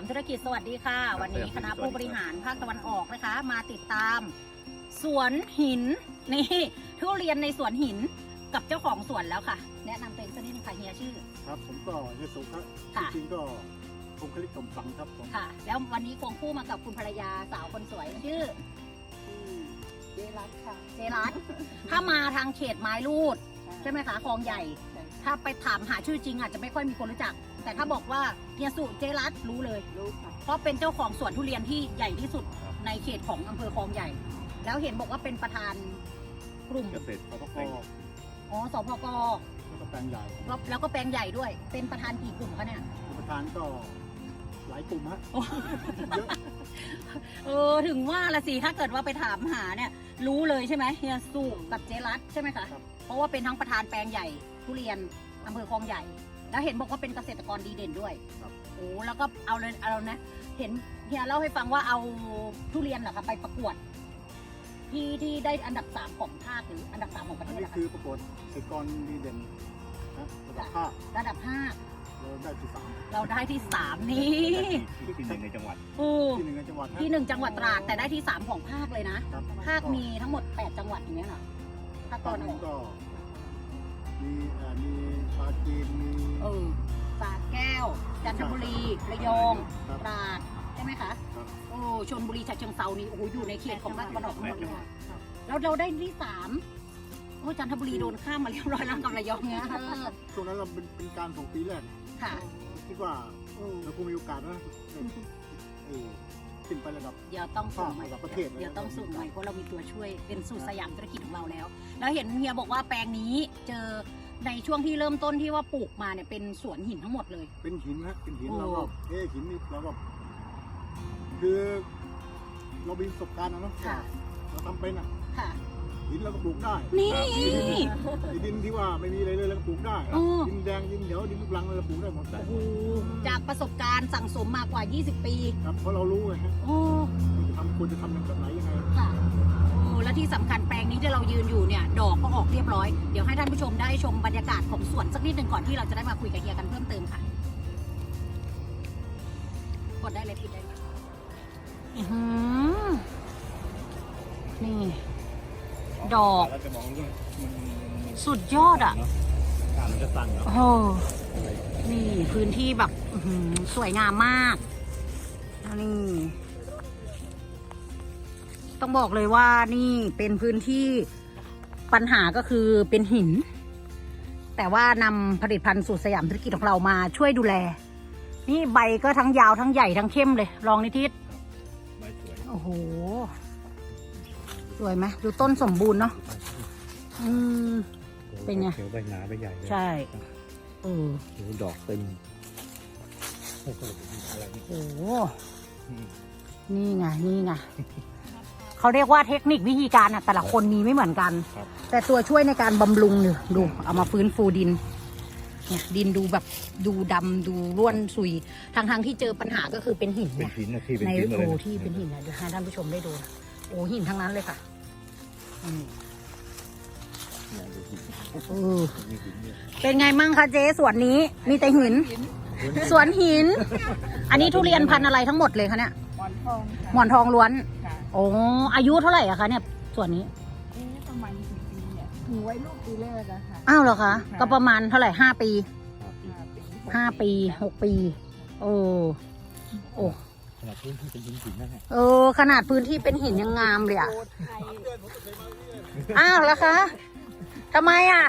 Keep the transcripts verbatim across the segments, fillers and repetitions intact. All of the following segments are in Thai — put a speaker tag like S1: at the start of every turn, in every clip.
S1: ามธุรกิจสวัสดีค่ะวันนี้คณะผู้บริหารภาคตะวันออกนะคะมาติดตามสวนหินนี่ทุเรียนในสวนหินกับเจ้าของสวนแล้วค่ะแนะนำตัวเองสักนิดนึงค่ะเฮียชื่อ
S2: ครับผมก็เฮียสุครับจริงๆก็คงคลิกสมสังครับผม
S1: ค่ะแล้ววันนี้ควงคู่มากับคุณภรรยาสาวคนสวยชื่อ
S3: เจรัตค่ะ
S1: เจรัตถ้ามาทางเขตไม้รูดใช่ไหมคะคลองใหญ่ถ้าไปถามหาชื่อจริงอาจจะไม่ค่อยมีคนรู้จักแต่ถ้าบอกว่าเฮียสุเจรัตรู้เลย
S3: รู้ค่ะ
S1: เพราะเป็นเจ้าของสวนทุเรียนที่ใหญ่ที่สุดในเขตของอำเภอคลองใหญ่แล้วเห็นบอกว่าเป็นประธานกลุ่ม
S2: เกษตรสปก.
S1: อ๋อสปก.
S2: แล้วก็แปลงใหญ่
S1: แล้วก็แปลงใหญ่ด้วยเป็นประธานกี่กลุ่มคะเนี่ย
S2: ประธานก็หลายกลุ่มฮะเยอะ
S1: เออถึงว่าละสิถ้าเกิดว่าไปถามหาเนี่ยรู้เลยใช่ไหมเฮียสุกับเจรัตใช่ไหมคะเพราะว่าเป็นทั้งประธานแปลงใหญ่ทุเรียนอำเภอคลองใหญ่แล้วเห็นบอกว่าเป็นเกษตรกรดีเด่นด้วยโอ้แล้วก็เอาเลยเอานะเห็นเฮียเล่าให้ฟังว่าเอาทุเรียนเหรอคะไปประกวดที่ที่ได้อันดับสามของภาคหรืออันดับสามของประเทศ
S2: นี่คือประกวดเกษตรกรดีเด่นนะระดับภาค
S1: ระดับภาค
S2: เราได้ที่สาม
S1: เราได้ที่สามนี่
S2: ที่หนึ่งในจังหวัดที่หนึ่งในจังหวัด
S1: ที่หนึ่งจังหวัดตราดแต่ได้ที่สามของภาคเลยนะภาคมีทั้งหมดแปดจังหวัดอย่างเงี้ยเหรอภาคตอนออก
S2: ก็มีมีปราจีนมี
S1: เออสระแก้วจันทบุรีระยองตราดใช่ไหมคะโอ้ชลบุรีฉะเชิงเทรานี่โอ้โหอยู่ในเขตของภาคตะวันออกทั้งหมดเลยแล้วเราได้ที่สามโอ้จันทบุรีโดนข้ามมาเรียบร้อยแล้วกับระยองเนี้ย
S2: ช่วงนั้นเราเป็นเป็นการส่งปีแรก
S1: ค่ะ
S2: คิดว่าเราคงมีโอกาสนะเออขึ้นไประดับ
S1: เดี๋ยวต้องส่งใหม่
S2: ประเทศ
S1: เดี๋ยวต้องส่งใหม่เพราะเรามีตัวช่วยเป็นสูตรสยามธุรกิจของเราแล้วแล้วเห็นเฮียบอกว่าแปลงนี้เจอในช่วงที่เริ่มต้นที่ว่าปลูกมาเนี่ยเป็นสวนหินทั้งหมดเลย
S2: เป็นหินฮะเป็นหินเราก็เอ๊ะหินนี่เราก็คือเรามีประสบการณ์นะเนาะเราทำเป็นอ่ะหินเราก็ปลูกได้
S1: นี่
S2: ดินที่ว่าไม่มีอะไรเลยเราก็ปลูกได้ดินแดงดินเหนียวดินลูกรังเราปลูกได้หมด
S1: จากประสบการณ์สั่งสมมากว่ายี่สิบปี
S2: ครับเพราะเรารู้ไงฮะจะทำควรจะทำแบบไหนยังไง
S1: ค่ะและที่สำคัญแปลงนี้ที่เรายืนอยู่เนี่ยดอกก็ออกเรียบร้อยเดี๋ยวให้ท่านผู้ชมได้ชมบรรยากาศของสวนสักนิดหนึ่งก่อนที่เราจะได้มาคุยกับเฮียกันเพิ่มเติมค่ะกดได้เลยปิดได้เลยนี่ดอกสุดยอดอ่ะโอ้นี่พื้นที่แบบสวยงามมากนี่ต้องบอกเลยว่านี่เป็นพื้นที่ปัญหาก็คือเป็นหินแต่ว่านำผลิตภัณฑ์สูตรสยามธุรกิจของเรามาช่วยดูแลนี่ใบก็ทั้งยาวทั้งใหญ่ทั้งเข้มเลยลองนิทิศ
S2: ใบสวย
S1: โอ้โหสวยไหมดูต้นสมบูรณ์เนาะอืมเป็นไง
S2: เขียวใบหนาใบใหญ่
S1: ใช่เออ
S2: ดอกเต็ม
S1: โอ้โหนี่ไงนี่ไงเขาเรียกว่าเทคนิควิธีการอ่ะแต่ละคนมีไม่เหมือนกันแต่ตัวช่วยในการบำรุงเนี่ยดูเอามาฟื้นฟูดินเนี่ยดินดูแบบดูดำดูร่วนซุยทางทางที่เจอปัญหาก็คือเป็นหินเนี่ยในโอ้ที่เป็นหินนะเดี๋ยวให้ท่านผู้ชมได้ดูโอ้หินทั้งนั้นเลยค่ะเป็นไงมั่งคะเจ๊สวนนี้มีแต่หินสวนหินอันนี้ทุเรียนพันธุ์อะไรทั้งหมดเลยคะเนี่ย
S3: หมอนทอง
S1: หมอนทองล้วนโอ้อายุเท่าไหร่อะคะเนี่ยส่วนนี้
S3: ประมาณกี่ปีเนี่ยหนูไว้ลูกปีแรกอะค่ะ
S1: อ้าวเหรอคะก็ประมาณเท่าไหร่ห้าปีห้าปีหกปีโอ้โอ้
S2: ขนาดพื้นที่เป็นหินหินนั่นแหละ
S1: เออขนาดพื้นที่เป็นหินยังงามเลยอะอ้าวเหรอคะทำไมอะ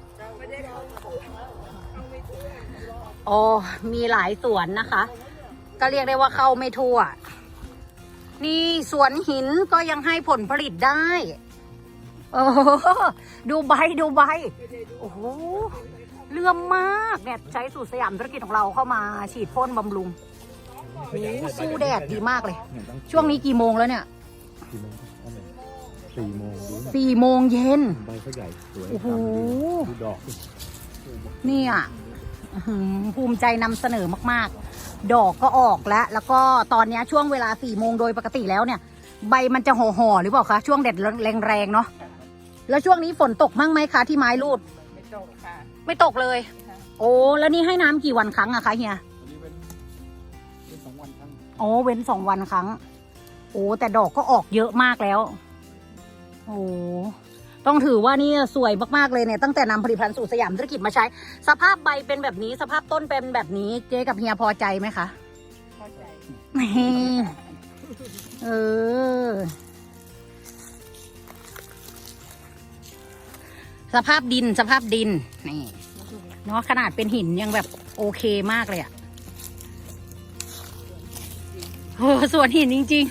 S1: โอ้มีหลายสวนนะคะก็เรียกได้ว่าเข้าไม่ทั่วนี่สวนหินก็ยังให้ผลผลิตได้โอ้ดูใบดูใบโอ้โหเลื่อมมากเนี่ยใช้สูตรสยามธุรกิจของเราเข้ามาฉีดพ่นบำรุงโอ้สู้แดดดีมากเลยช่วงนี้กี่โมงแล้วเนี่ย
S2: สี่โมง
S1: สี่โมงเย็น
S2: ใบเขาใหญ่สวย
S1: โอ้โห
S2: ดอก
S1: นี่อ่ะภูมิใจนำเสนอมากๆดอกก็ออกแล้วแล้วก็ตอนนี้ช่วงเวลาสี่โมงโดยปกติแล้วเนี่ยใบมันจะห่อๆหรือเปล่าคะช่วงแดดแรงๆเนาะแล้วช่วงนี้ฝนตกมั่งไหมคะที่ไม้รูด
S3: ไม่ตกค่ะ
S1: ไม่ตกเลยโอ้แล้วนี่ให้น้ำกี่วันครั้งอะคะเฮีย
S2: เป็นสองวันครั้ง
S1: โอ้เว้นสองวันครั้งโอ้แต่ดอกก็ออกเยอะมากแล้วโอ้ต้องถือว่านี่สวยมากๆเลยเนี่ยตั้งแต่นำผลิตภัณฑ์สู่สยามธุรกิจมาใช้ สภาพใบเป็นแบบนี้สภาพต้นเป็นแบบนี้เจ๊กับเฮียพอใจไหมคะ
S3: เข้าใจ
S1: นี่เออสภาพดินสภาพดินนี่เนาะขนาดเป็นหินยังแบบโอเคมากเลยอะโอ้ส่วนหินจริง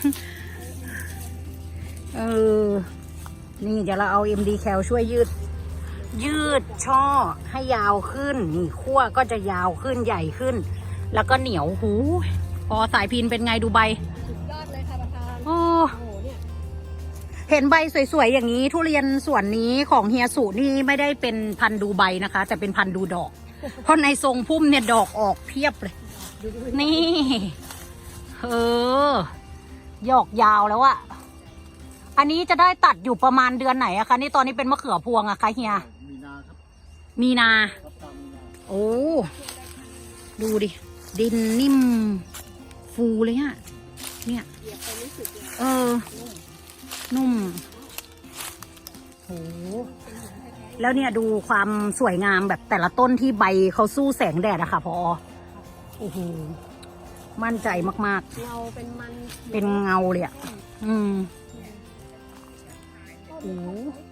S1: ๆเออนี่เดี๋ยวเราเอา เอ็ม ดี แคล ช่วยยืด ยืดช่อให้ยาวขึ้นนี่ขั้วก็จะยาวขึ้นใหญ่ขึ้น แล้วก็เหนียวหูพอสายพินเป็นไงดูใบ
S3: สุดยอดเลยค่ะประธาน
S1: โอ้
S3: โอ้โหเนี่ย
S1: เห็นใบสวยๆอย่างนี้ทุเรียนส่วนนี้ของเฮียสุนี่ไม่ได้เป็นพันธุ์ดูใบนะคะ แต่เป็นพันธุ์ดูดอก เพราะในทรงพุ่มเนี่ยดอกออกเพียบเลย
S3: ดูดู
S1: นี่ เออหยอกยาวแล้วอะอันนี้จะได้ตัดอยู่ประมาณเดือนไหนอะคะนี่ตอนนี้เป็นมะเขือพวงอะคะเฮีย
S2: มีนาครับ
S1: มีนา
S2: ครับตามมีนา
S1: โอ้ ดูดิ ดินนิ่ม ฟูเลยอะเนี่ย
S3: เหยียบไปรู้สึกเลย
S1: เออ นุ่มโหแล้วเนี่ยดูความสวยงามแบบแต่ละต้นที่ใบเขาสู้แสงแดดอะค่ะพอโอ้โห มั่นใจมาก
S3: เราเป็นมัน
S1: ๆ เป็นเงาเลยอะอืมโอ้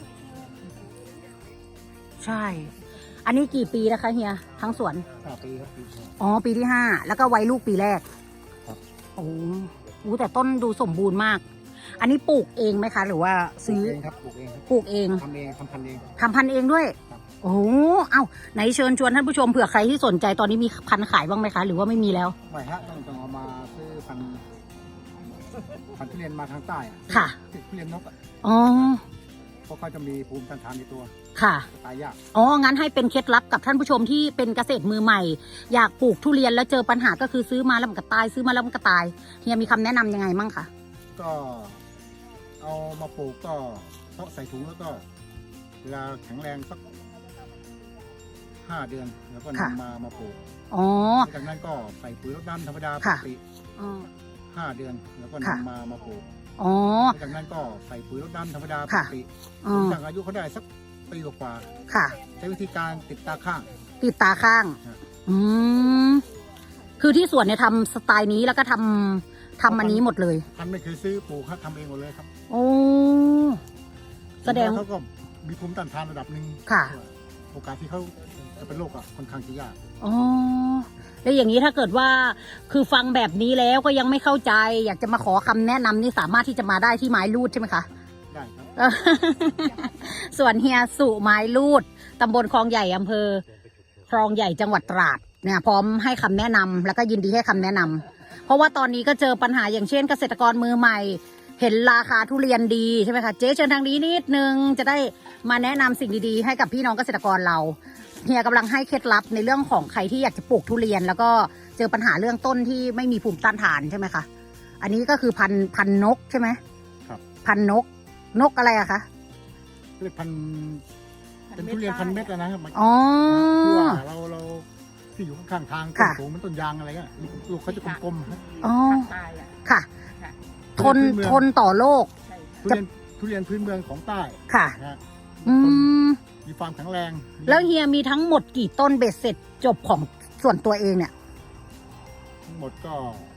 S1: ใช่ อันนี้กี่ปีนะคะเฮีย ทั้งสวน
S2: ห้าปีครับปีที่
S1: อ๋อ ปีที่ห้า แล้วก็ไว้ลูกปีแรก
S2: ครับ
S1: โอ้โหแต่ต้นดูสมบูรณ์มาก อันนี้ปลูกเองไหมคะ หรือว่า
S2: ปลู
S1: ซื้
S2: ก
S1: อ
S2: เองครับปลูกเองครับ
S1: ปลูกเอง
S2: ทำเองทำพันธุ์เอง
S1: ทำพันธุ์เองด้วย
S2: ครับ
S1: โอ้โหเอ้า ไหนเชิญชวนท่านผู้ชมเผื่อใครที่สนใจตอนนี้มีพันธุ์ขายบ้างไหมคะ หรือว่าไม่มีแล้ว
S2: ไม่ฮะต้องต้องเอามาซื้อพันธุ์พันธุ์ทุเรียนมาทางใต้อะ
S1: ค่ะ
S2: ทุเรียนนกอะ
S1: อ๋อ
S2: เพราะเขาจะมีภูมิต้านทานในตัว
S1: ค่ะ
S2: ตายยาก
S1: อ๋อ งั้นให้เป็นเคล็ดลับกับท่านผู้ชมที่เป็นเกษตรมือใหม่ อยากปลูกทุเรียนแล้วเจอปัญหาก็คือซื้อมาแล้วมันก็ตาย ซื้อมาแล้วมันก็ตาย เฮียมีคำแนะนำยังไงมั่งคะ
S2: ก็เอามาปลูกก็เพาะใส่ถุงแล้วก็เวลาแข็งแรงสักห้าเดือนแล้วก็นำมามาปลูก
S1: อ๋อ
S2: จากนั้นก็ใส่ปุ๋ยรดน้ำธรรมดาป
S1: ค่ะ
S2: กติ
S1: อ๋อ
S2: ห้าเดือนแล้วก็
S1: ค่ะ
S2: นำมามาปลูก
S1: อ๋อ
S2: จากนั้นก็ใส่ปุ๋ยรดน้ำธรรมดาป
S1: ค่ะ
S2: กติ
S1: อ๋อ
S2: จากอายุเขาได้สักปีกว่า
S1: ค่ะ
S2: ๆใช้วิธีการติดตาข้าง
S1: ติดตาข้าง
S2: ครับ
S1: อืม คือที่สวนเนี่ยทำสไตล์นี้แล้วก็ทำทำอันนี้หมดเลย
S2: พันธุ์ไม่เคยซื้อปลูกครับทำเองหมดเลยครับ
S1: โอ้ แสดง
S2: เขาก็มีภูมิต้านทานระดับหนึ่ง
S1: ค่ะ
S2: โอกาสที่เขาจะเป็นโรคอะค่อนข้างจะยาก
S1: อ๋อ แล้วอย่างนี้ถ้าเกิดว่าคือฟังแบบนี้แล้วก็ยังไม่เข้าใจ อยากจะมาขอคำแนะนำนี่สามารถที่จะมาได้ที่ไม้รูดใช่ไหมคะ
S2: ได้ครับ
S1: เออ ส่วนเฮียสุไม้รูดตำบลคลองใหญ่อำเภอคลองใหญ่จังหวัดตราดเนี่ยพร้อมให้คำแนะนำแล้วก็ยินดีให้คำแนะนำเพราะว่าตอนนี้ก็เจอปัญหาอย่างเช่นเกษตรกรมือใหม่ เห็นราคาทุเรียนดีใช่ไหมคะเจ๊เชิญทางนี้นิดนึงจะได้มาแนะนำสิ่งดีๆให้กับพี่น้องเกษตรกรเราเฮียกำลังให้เคล็ดลับในเรื่องของใครที่อยากจะปลูกทุเรียน แล้วก็เจอปัญหาเรื่องต้นที่ไม่มีภูมิต้านทานใช่ไหมคะอันนี้ก็คือพันพันนกใช่ไหม
S2: ครับ
S1: พันนกนกอะไรอะคะ
S2: เรียกพันธุ์เป็นทุเรียนพันเม็ดอะนะครับมัน
S1: อ๋อ
S2: คือว่าเราเราที่อยู่ข้างๆทางต้น
S1: ค่ะ
S2: สูงมันต้นยางอะไรเงี้ยลูกเขาจะกลมๆฮะ
S1: อ๋อ
S3: ตายอ่ะ
S1: ค่ะ
S3: ค่ะ
S1: ทนทนต่อโรค
S3: ใช่
S2: ทุเรียนทุเรียนพื้นเมืองของใต้
S1: ค่ะ
S2: นะฮะ
S1: อืม
S2: มีความแข็งแรงมี
S1: แล้วเฮียมีทั้งหมดกี่ต้นเบ็ดเสร็จจบของส่วนตัวเองเนี่ย
S2: ทั้งหมดก็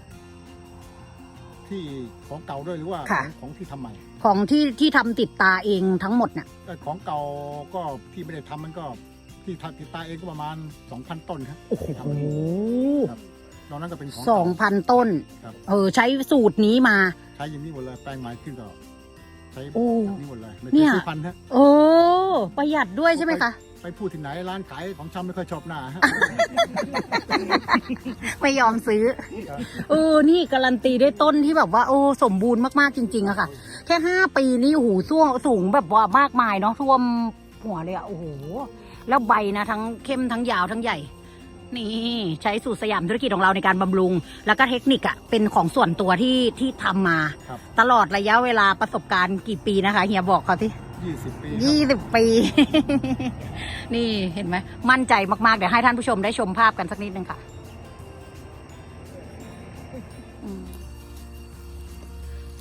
S2: ที่ของเก่าด้วยหรือว่า
S1: ค่ะ
S2: ของของที่ทำใหม่
S1: ของที่ที่ทำติดตาเองทั้งหมดเนี่ย
S2: แต่ของเก่าก็ที่ไม่ได้ทำมันก็ที่ทำติดตาเองก็ประมาณสองพันต้นครับ
S1: โอ้โห
S2: ทำเองครับนอกนั้นก็เป็นของ
S1: สองพันต้น
S2: ครับ
S1: เออใช้สูตรนี้มา
S2: ใช้อย่างนี้หมดเลยแปลงใหม่ขึ้นก็ใช้
S1: โอ้
S2: แบบนี้หมดเลยไม่
S1: เนี่
S2: เคย
S1: ย
S2: ซื้อพันธุ์ฮะ
S1: โอ้ประหยัดด้วยใช่ไหมคะ
S2: ไปพูดที่ไหนร้านขายของชำไม่ค่อยชอบหน้าฮะ
S1: ไม่ยอมซื้อ เออ นี่การันตีด้วยต้นที่แบบว่า โอ้ สมบูรณ์มาก ๆ จริง ๆอะค่ะ แค่ห้าปีนี่โอ้โหสูงสูงแบบว่ามากมายเนาะท่วมหัวเลยอะโอ้โห แล้วใบนะทั้งเข้มทั้งยาวทั้งใหญ่ นี่ใช้สูตรสยามธุรกิจของเราในการบำรุง แล้วก็เทคนิคอะเป็นของส่วนตัวที่ที่ทำมา
S2: ครับ
S1: ตลอดระยะเวลาประสบการณ์กี่ปีนะคะเฮียบอกเขาที่
S2: ยี่สิบปี
S1: ยี่สิบปี นี่เห็นไหมมั่นใจมาก ๆ เดี๋ยวให้ท่านผู้ชมได้ชมภาพกันสักนิดนึงค่ะอืม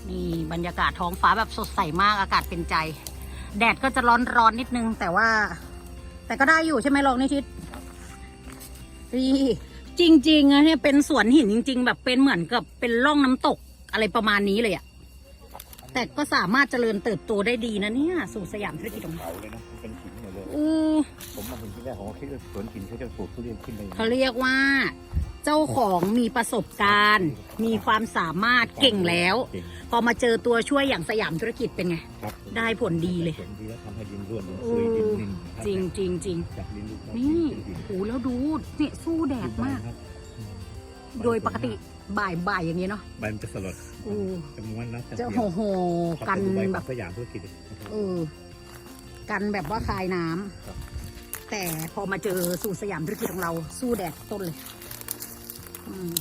S1: นี่บรรยากาศท้องฟ้าแบบสดใสมากอากาศเป็นใจ แดดก็จะร้อนร้อนนิดนึงแต่ว่า แต่ก็ได้อยู่ใช่ไหมลองนิชิตนี่จริงๆอะเนี่ยเป็นสวนหินจริง ๆ แบบเป็นเหมือนกับเป็นร่องน้ำตกอะไรประมาณนี้เลยอะแต่ก็สามารถเจริญเติบโตได้ดีนะเนี่ยสู่สยามธุรกิจของเรา
S2: เขาเลยนะเป็นหินหมดเลย
S1: อือ
S2: ผมมาเห็นที่แรกผมก็คิดว่าสวนหินเขาจะปลูกทุเรียนขึ้นเลย
S1: เขาเรียกว่า เจ้าของมีประสบการณ์ มีความสามารถเก่งแล้ว พอมาเจอตัวช่วยอย่างสยามธุรกิจเป็นไง
S2: ครับ
S1: ได้ผลดีเลย
S2: ผลดีแล้วทำให้ดินร่วนดิน
S1: เอ
S2: ซุยดิน
S1: อ
S2: นิ่ม
S1: จริงจริงจริง
S2: จากดินลูก
S1: นี่โอ้แล้วดูเนี่ยสู้แดดมาก โดยปกติบ่ายบ่ายอย่างนี้เนาะ
S2: ใบมันจะสลด
S1: โอ้
S2: จะม้วนนะ
S1: จะโหโหกันแบบ
S2: สยามธุรกิจ
S1: เออกันแบบว่าคายน้ำ
S2: ครับ
S1: แต่พอมาเจอสู่สยามธุรกิจของเราสู้แดดต้นเลยอืม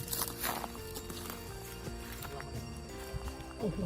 S1: โอ้โห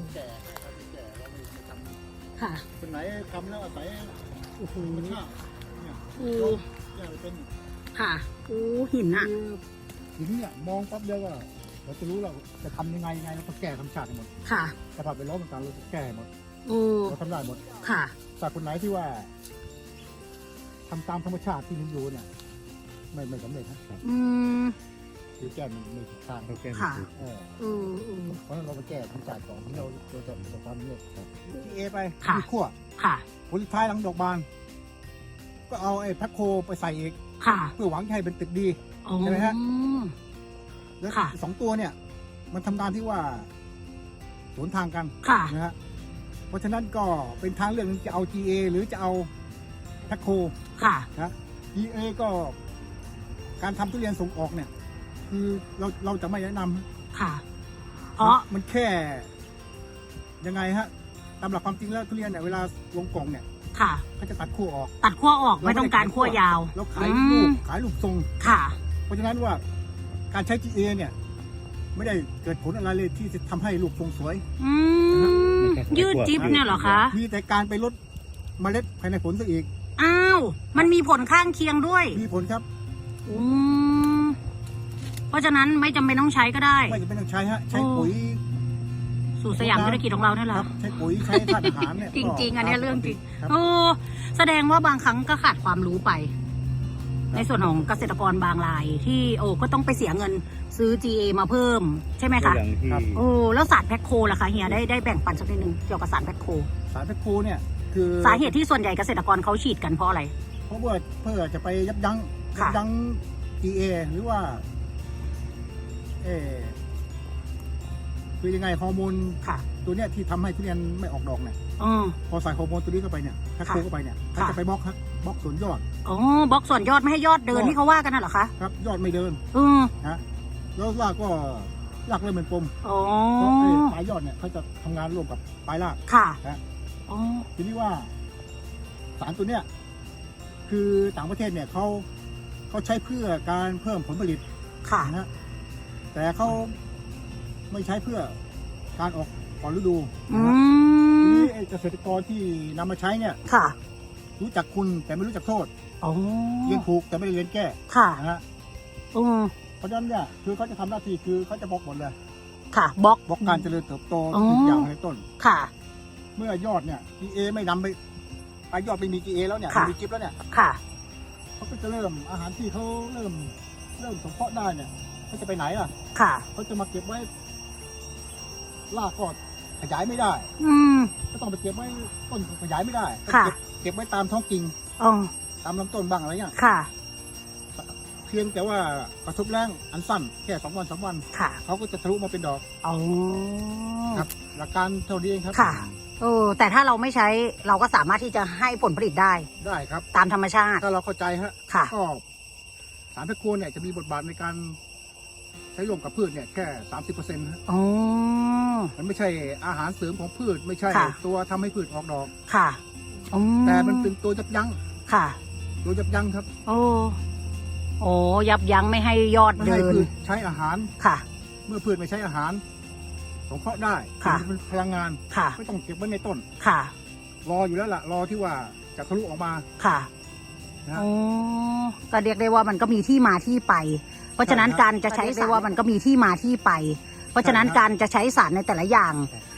S1: ค่ะ
S2: คนไหนทำแล้วอาศัย
S1: โอ้โห
S2: ธรรมชาติเนี่ย
S1: โอ้
S2: เนี่ยเป็น
S1: ค่ะโอ้หินอะ
S2: หินเนี่ยมองปั๊บเดียวว่าเราจะรู้เราจะทำยังไงยังไงเราต้องแก้ธรรมชาติหมด
S1: ค่ะ
S2: สภาพแวดล้อมต่างๆเราจะแก้หมด
S1: โอ้
S2: เราทำได้หมด
S1: ค่ะ
S2: แต่คนไหนที่ว่าทำตามธรรมชาติที่มันอยู่เนี่ยไม่ไม่สำเร็จนะครับ
S1: อืม
S2: คือแก้มันไม่ถูกทางเราแก้
S1: ค่ะ
S2: ไม่ถูกเออ
S1: เออเออ
S2: เพราะฉะนั้นเราไปแก้ธรรมชาติก่อนที่เราเราจะประสบความสำเร็จครับที่เอไป
S1: ค่ะ
S2: ที่ขั้ว
S1: ค่ะ
S2: ผลสุดท้ายหลังดอกบาน ก็เอาไอ้แพ็คโคไปใส่อีก
S1: ค่ะ
S2: เพื่อหวังให้เป็นตึกดี
S1: อ๋อ
S2: ใช่ไหมฮะ แล้ว
S1: ค่ะ
S2: สองตัวเนี่ย มันทำงานที่ว่าสวนทางกัน
S1: ค่ะ
S2: นะฮะเพราะฉะนั้นก็เป็นทางเลือกหนึงจะเอา จี เอ หรือจะเอาแพ็คโค
S1: ค่ะ
S2: นะ จี เอ ก็การทำทุเรียนส่งออกเนี่ย คือเราเราจะไม่แนะนำ
S1: ค่ะ เพราะ
S2: มันแค่ยังไงฮะตามหลักความจริงแล้วทุเรียนเนี่ยเวลาลงกล่องเนี่ย
S1: ค่ะ
S2: เขาจะตัดขั้วออก
S1: ตัดขั้วออกไม่ต้องการขั้วยาว
S2: แล้วขาย
S1: อื
S2: ลู
S1: ม
S2: กขายลูกทรง
S1: ค่ะ
S2: เพราะฉะนั้นว่าการใช้ จี เอ เนี่ย ไม่ได้เกิดผลอะไรเลยที่จะทำให้ลูกทรงสวย
S1: อืมยืดจิ๊บเนี่ยเหรอคะ
S2: มีแต่การไปลดเมล็ดภายในผลซะอีก
S1: อ้าว มันมีผลข้างเคียงด้วย
S2: มีผลครับ
S1: อืมเพราะฉะนั้นไม่จำเป็นต้องใช้ก็ได้
S2: ไม่จะเป็นต้องใช้ฮะ ใช้ปุ๋ย
S1: สู่สยามธุรกิจของเราเนี่ยเหร
S2: ค
S1: อ
S2: รับ ใช้ปุ๋ยใช้ธาตุอาหารเนี่ย
S1: จริงๆอันเนี้ยเรื่องจริง
S2: ครับ
S1: โอ้แสดงว่าบางครั้งก็ขาดความรู้ไป ในส่วนของเกษตรกรบางรายที่โอ้ก็ต้องไปเสียเงินซื้อ จี เอ มาเพิ่ม ใช่ไหมคะ
S2: อย่างที่
S1: โอ้แล้วสารแพ็คโคล่ะคะเฮียได้ได้แบ่งปันสักนิดนึงเกี่ยวกับสารแพ็คโค
S2: สารแพ็คโคเนี่ย คือ
S1: สาเหตุที่ส่วนใหญ่เกษตรกรเขาฉีดกันเพราะอะไร
S2: เพราะว่าเพื่อจะไปยับยั้งยั
S1: ค่ะ
S2: บยั้ง จี เอ หรือว่า เออคือยังไงฮอร์โมน
S1: ค่ะ
S2: ตัวเนี้ยที่ทำให้ทุเรียนไม่ออกดอกเนี่ย
S1: อ๋อ
S2: พอใส่ฮอร์โมนตัวนี้เข้าไปเนี่ยแพ็คโค
S1: ค่ะ
S2: เข้าไปเนี่ยเขา
S1: ค่ะ
S2: จะไปบล็อกครับบล็อกส่วนยอด
S1: อ๋อบล็อกส่วนยอดไม่ให้ยอดเดิน
S2: ยอด
S1: ที่เขาว่ากันน่ะเหรอคะ
S2: ครับ ยอดไม่เดิน
S1: เออ
S2: นะแล้วรากก็รากเริ่มเป็นปม
S1: อ๋อ
S2: เพราะไอ้ปลายยอดเนี่ยเขาจะทำงานร่วมกับปลายราก
S1: ค่ะ
S2: นะ
S1: อ๋อ
S2: ทีนี้ว่าสารตัวเนี้ยคือต่างประเทศเนี่ยเขาเขาใช้เพื่อการเพิ่มผลผลิต
S1: ค่ะ
S2: นะฮะแต่เขาไม่ใช้เพื่อการออกก่อนฤดู
S1: อื
S2: นะฮะที
S1: ม
S2: นี้ไอ้เกษตรกรที่นำมาใช้เนี่ย
S1: ค่ะ
S2: รู้จักคุณแต่ไม่รู้จักโทษ
S1: อ๋อ
S2: เรียนถูกแต่ไม่ได้เรียนแก้
S1: ค่ะ
S2: นะฮะ
S1: อืม
S2: เพราะฉะนั้นเนี่ยคือเขาจะทำหน้าที่คือเขาจะบล็อกหมดเลย
S1: ค่ะบล็อก
S2: บล็อกการเจริญเติบโต
S1: อ๋อ
S2: ทุกอย่างในต้น
S1: ค่ะ
S2: เมื่อยอดเนี่ย จี เอ ไม่นำไปไปยอดไม่มี จี เอ แล้วเนี่ย
S1: ค่ะ
S2: ไม่มีจิ๊บแล้วเนี่ย
S1: ค่ะ
S2: เขาก็จะเริ่มอาหารที่เขาเริ่มเริ่มสงเคราะห์ได้เนี่ยเขาจะไปไหนล่ะ
S1: ค่ะ
S2: เขาจะมาเก็บไว้รากก็ขยายไม่ได้
S1: อืม
S2: ก็ต้องไปเก็บไว้ต้นก็ขยายไม่ได้ก็
S1: ค่ะ
S2: เก็บเก็บไว้ตามท้องกิ่ง
S1: อ๋อ
S2: ตามลำต้นบ้างอะไรเงี้ย
S1: ค่ะ
S2: เพียงแต่ว่าประสบแรงอันสั้นแค่สองวันสามวัน
S1: ค่ะ
S2: เขาก็จะทะลุมาเป็นดอก
S1: อ๋อ
S2: ครับ หลักการเท่านี้เองครับ
S1: ค่ะ เออแต่ถ้าเราไม่ใช้เราก็สามารถที่จะให้ผลผลิตได้
S2: ได้ครับ
S1: ตามธรรมชาติ
S2: ถ้าเราเข้าใจฮะ
S1: ค่ะ
S2: ก็สารตะโกนเนี่ยจะมีบทบาทในการใช้ร่วมกับพืชเนี่ยแค่สามสิบเปอร์เซ็นต์
S1: อ๋อ
S2: มันไม่ใช่อาหารเสริมของพืช ไม่ใช่
S1: ค่ะ
S2: ตัวทำให้พืชออกดอก
S1: ค่ะอื
S2: แต่มันเป็นตัวยับยั้ง
S1: ค่ะ
S2: ตัวยับยั้งครับ
S1: โอ้ โอ้ ยับยั้งไม่ให้ยอด
S2: ไม่
S1: เดิ
S2: ให้
S1: น
S2: พืชใช้อาหาร
S1: ค่ะ
S2: เมื่อพืชไม่ใช้อาหารสงเคราะห์ได้
S1: ค่ะ
S2: มันเป็นพลังงาน
S1: ค่ะ
S2: ไม่ต้องเก็บไว้ในต้น
S1: ค่ะ
S2: รออยู่แล้วล่ะ รอที่ว่าจะทะลุออกมา
S1: ค่ะ
S2: นะ
S1: โอ้ก็เรียกได้ว่ามันก็มีที่มาที่ไป เพราะฉะนั้น
S2: ใช่ครับ
S1: การจะใช้ได้ว่ามันก็มีที่มาที่ไป เพราะฉะนั้น
S2: ใช่ครับ
S1: การจะใช้สารในแต่ละอย่าง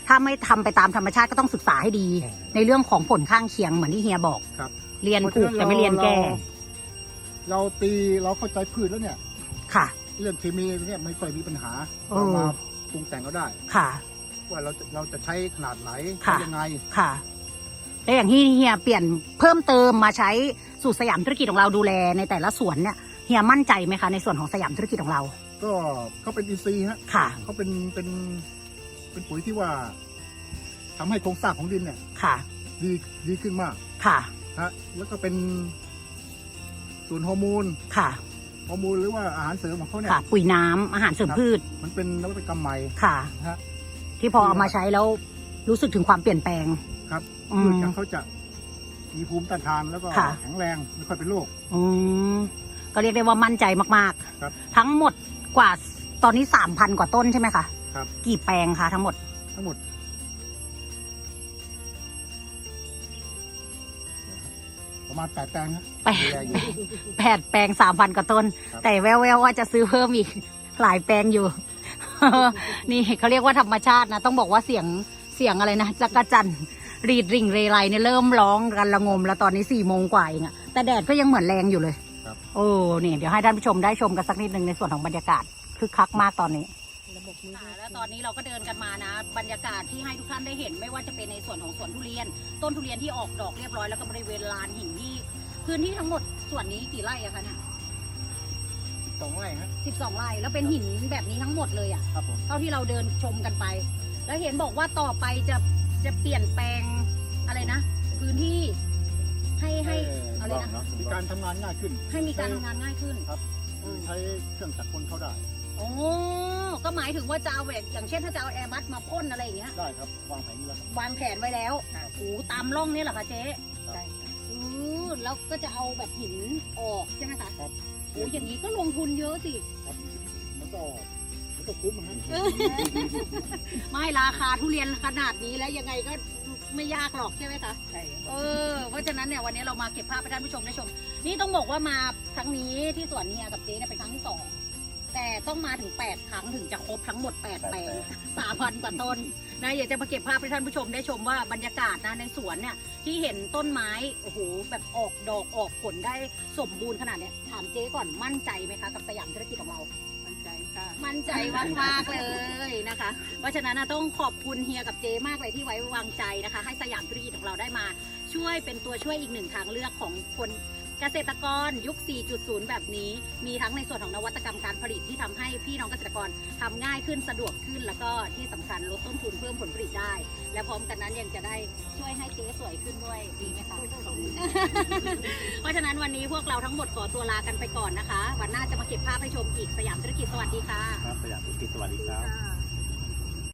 S1: ถ้าไม่ทำไปตามธรรมชาติก็ต้องศึกษาให้ดี
S2: อ๋อ
S1: ในเรื่องของผลข้างเคียงเหมือนที่เฮียบอก
S2: ครับ
S1: เรียนถูกแต่ไม่เรียนแก้
S2: เราตีเราเข้าใจพืชแล้วเนี่ย
S1: ค่ะ
S2: เรื่องเคมีเนี่ยไม่ค่อยมีปัญหา
S1: เออ
S2: เรามาปรุงแต่งก็ได้
S1: ค่ะ
S2: ว่าเราจะเราจะใช้ขนาดไหน
S1: ค่ะ
S2: ยังไง
S1: ค่ะแล้วอย่างที่เฮียเปลี่ยนเพิ่มเติมมาใช้สูตรสยามธุรกิจของเราดูแลในแต่ละสวนเนี่ยเฮียมั่นใจไหมคะในส่วนของสยามธุรกิจของเรา
S2: ก็เขาเป็นอินทรีย์ฮะ
S1: ค่ะ
S2: เขาเป็นเป็นเป็นปุ๋ยที่ว่าทำให้โครงสร้างของดินเนี่ย
S1: ค่ะ
S2: ดีดีขึ้นมาก
S1: ค่ะ
S2: ฮะแล้วก็เป็นส่วนฮอร์โมน
S1: ค่ะ
S2: ฮอร์โมนหรือว่าอาหารเสริมของเขาเนี่ย
S1: ค่ะ ปุ๋ยน้ำอาหารเสริมพืช
S2: มันเป็นนวัตกรรมใหม่
S1: ค่ะ
S2: นะฮะ
S1: ที่พอเอามาใช้แล้วรู้สึกถึงความเปลี่ยนแปลง
S2: ครับ
S1: อืม
S2: พืชจากเขาจะมีภูมิต้านทานแล้วก็
S1: ค่ะ
S2: แข็งแรงไม่ค่อยเป็นโรค
S1: อืมก็เรียกได้ว่ามั่นใจมาก
S2: ครับ
S1: ๆ ทั้งหมดกว่าตอนนี้สามพันกว่าต้นใช่ไหมคะ
S2: ครับ
S1: กี่แปลงคะทั้งหมด
S2: ทั้งหมดประมาณแปดแปลงฮะ
S1: แปด
S2: ดูแลอยู่
S1: แปดแปลงสามพันกว่าต้น
S2: ครับ
S1: แต่แววๆว่าจะซื้อเพิ่มอีก หลายแปลงอยู่ นี่เขาเรียกว่าธรรมชาตินะ ต้องบอกว่าเสียงเสียงอะไรนะจักรจันทร์รีดริ่งเรไรเนี่ยเริ่มร้องกันระงมแล้วตอนนี้สี่โมงกว่าเองอะแต่แดดก็ยังเหมือนแรงอยู่เลย
S2: ครับ
S1: โอ้นี่เดี๋ยวให้ท่านผู้ชมได้ชมกันสักนิดนึงในส่วนของบรรยากาศคึกคักมากตอนนี้
S3: ระบบนี้
S1: ค่ะแล้วตอนนี้เราก็เดินกันมานะ บรรยากาศที่ให้ทุกท่านได้เห็นไม่ว่าจะเป็นในส่วนของสวนทุเรียน ต้นทุเรียนที่ออกดอกเรียบร้อยแล้วก็บริเวณลานหินที่พื้นที่ทั้งหมดส่วนนี้กี่ไร่อะคะเนี่ย
S2: สองไร่ฮะ
S1: สิบสองไร่แล้วเป็นหินแบบนี้ทั้งหมดเลยอะ
S2: ครับผม
S1: เท่าที่เราเดินชมกันไป แล้วเห็นบอกว่าต่อไปจะจะเปลี่ยนแปลงอะไรนะ พื้นที่ให้ให้อะไรนะ
S2: มีการทำงานง่ายขึ้น
S1: ให้มีการทำงานง่ายขึ้น
S2: ครับ ใช้เครื่องจักรกลเข้าได้
S1: โอ้ก็หมายถึงว่าจะเอาแบบอย่างเช่นถ้าจะเอาแอร์บัสมาพ่นอะไรอย่างเงี้ย
S2: ได้ครับวางแผนนี้แล้วครับ
S1: วางแผนไว้แล้วโอ้ตามร่องนี่เหรอคะเจ๊
S3: ใช่ค่ะ
S1: อือแล้วก็จะเอาแบบหินออกใช่ไหมคะ
S2: ครับ
S1: โอ้อย่างนี้ก็ลงทุนเยอะสิ
S2: ครับมันก็มันก็คุ้มนะฮะ
S1: ไม่ราคาทุเรียนขนาดนี้แล้วยังไงก็ไม่ยากหรอกใช่ไหมคะ
S3: ใช่ค่ะ
S1: เออ เพราะฉะนั้นเนี่ยวันนี้เรามาเก็บภาพให้ท่านผู้ชมได้ชม นี่ต้องบอกว่ามาครั้งนี้ที่สวนเฮียกับเจ๊เนี่ยเป็นครั้งที่สอง แต่ต้องมาถึงแปดครั้งถึงจะครบทั้งหมดแปดแปลงสามพันกว่าต้นนะอยากจะมาเก็บภาพให้ท่านผู้ชมได้ชมว่าบรรยากาศนะในสวนเนี่ยที่เห็นต้นไม้โอ้โหแบบออกดอกออกผลได้สมบูรณ์ขนาดเนี้ยถามเจ๊ก่อนมั่นใจไหมคะกับสยามธุรกิจของเรา
S3: มั่นใจค่ะ
S1: มั่นใจมากๆเลยนะคะ เพราะฉะนั้นนะต้องขอบคุณเฮียกับเจมากเลยที่ไว้วางใจนะคะ ให้สยามธุรกิจของเราได้มา ช่วยเป็นตัวช่วยอีกหนึ่งทางเลือกของคนเกษตรกรยุค สี่จุดศูนย์ แบบนี้ มีทั้งในส่วนของนวัตกรรมการผลิตที่ทำให้พี่น้องเกษตรกรทำง่ายขึ้นสะดวกขึ้น แล้วก็ที่สำคัญลดต้นทุนเพิ่มผลผลิตได้ และพร้อมกันนั้นยังจะได้ช่วยให้เจ๊สวยขึ้นด้วยดีไหมคะ เพราะฉะนั้นวันนี้พวกเราทั้งหมดขอตัวลากันไปก่อนนะคะ วันหน้าจะมาเก็บภาพให้ชมอีกสยามธุรกิจสวัสดีค่ะ
S4: ครับสยามธุรกิจสวัสดีครับ
S1: ค่ะ